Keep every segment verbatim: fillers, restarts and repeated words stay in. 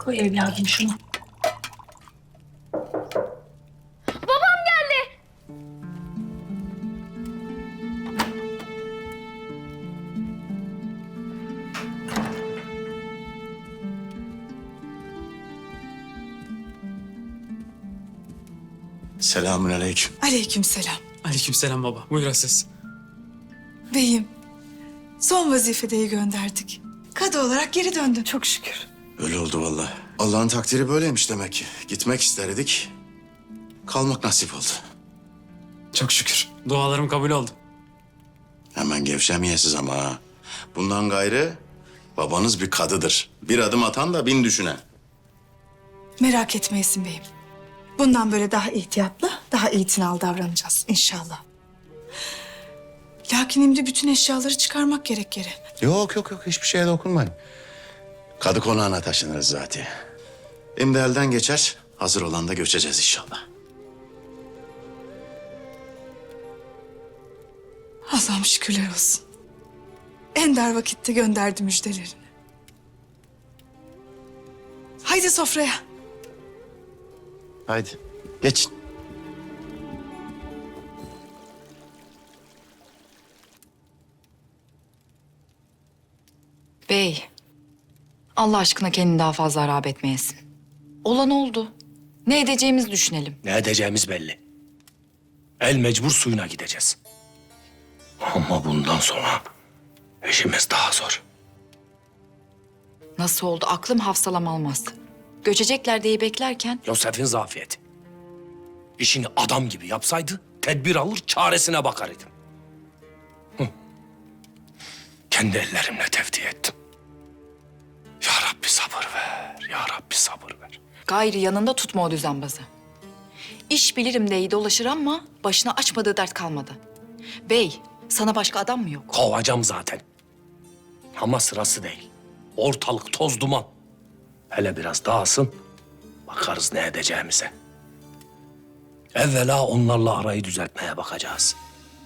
Koy evladım şunu. Babam geldi. Selamünaleyküm. Aleykümselam. Aleykümselam baba. Buyur Aziz. Beyim, son vazifedeyi gönderdik. Kadı olarak geri döndün. Çok şükür. Öyle oldu vallahi. Allah'ın takdiri böyleymiş demek ki. Gitmek isterdik. Kalmak nasip oldu. Çok şükür. Dualarım kabul oldu. Hemen gevşemeyesiz ama ha. Bundan gayrı babanız bir kadıdır. Bir adım atan da bin düşünen. Merak etmeyesin beyim. Bundan böyle daha ihtiyatlı, daha itinalı davranacağız inşallah. Lakin şimdi bütün eşyaları çıkarmak gerek geri. Yok yok yok hiçbir şeye dokunmayın. Kadı konağına taşınırız zaten. Şimdi elden geçer. Hazır olan da göçeceğiz inşallah. Allah'ım şükürler olsun. En dar vakitte gönderdi müjdelerini. Haydi sofraya. Haydi geçin. Bey, Allah aşkına kendini daha fazla harap etmeyesin. Olan oldu. Ne edeceğimizi düşünelim. Ne edeceğimiz belli. El mecbur suyuna gideceğiz. Ama bundan sonra işimiz daha zor. Nasıl oldu? Aklım hafsalam almaz. Göçecekler diye beklerken Yosef'in zafiyeti. İşini adam gibi yapsaydı tedbir alır çaresine bakar idim. Hı. Kendi ellerimle tevdi ettim. Ya Rabbi sabır ver, ya Rabbi sabır ver. gayri yanında tutma o düzenbazı. İş bilirim diye dolaşır ama başına açmadığı dert kalmadı. Bey, sana başka adam mı yok? Kovacağım zaten. Ama sırası değil. Ortalık toz duman. Hele biraz dağılsın, bakarız ne edeceğimize. Evvela onlarla arayı düzeltmeye bakacağız.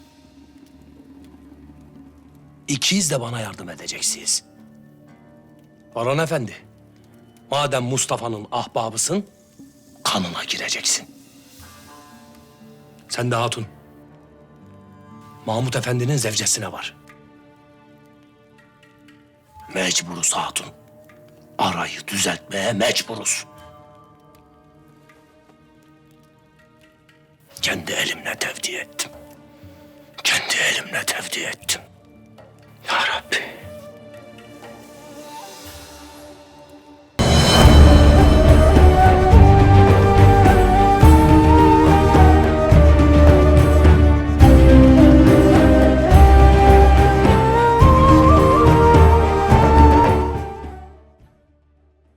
İkiz de bana yardım edeceksiniz. Orhan Efendi, madem Mustafa'nın ahbabısın, kanına gireceksin. Sen de hatun, Mahmut Efendi'nin zevcesine var. Mecburuz hatun. Arayı düzeltmeye mecburuz. Kendi elimle tevdi ettim. Kendi elimle tevdi ettim. Ya Rabbi.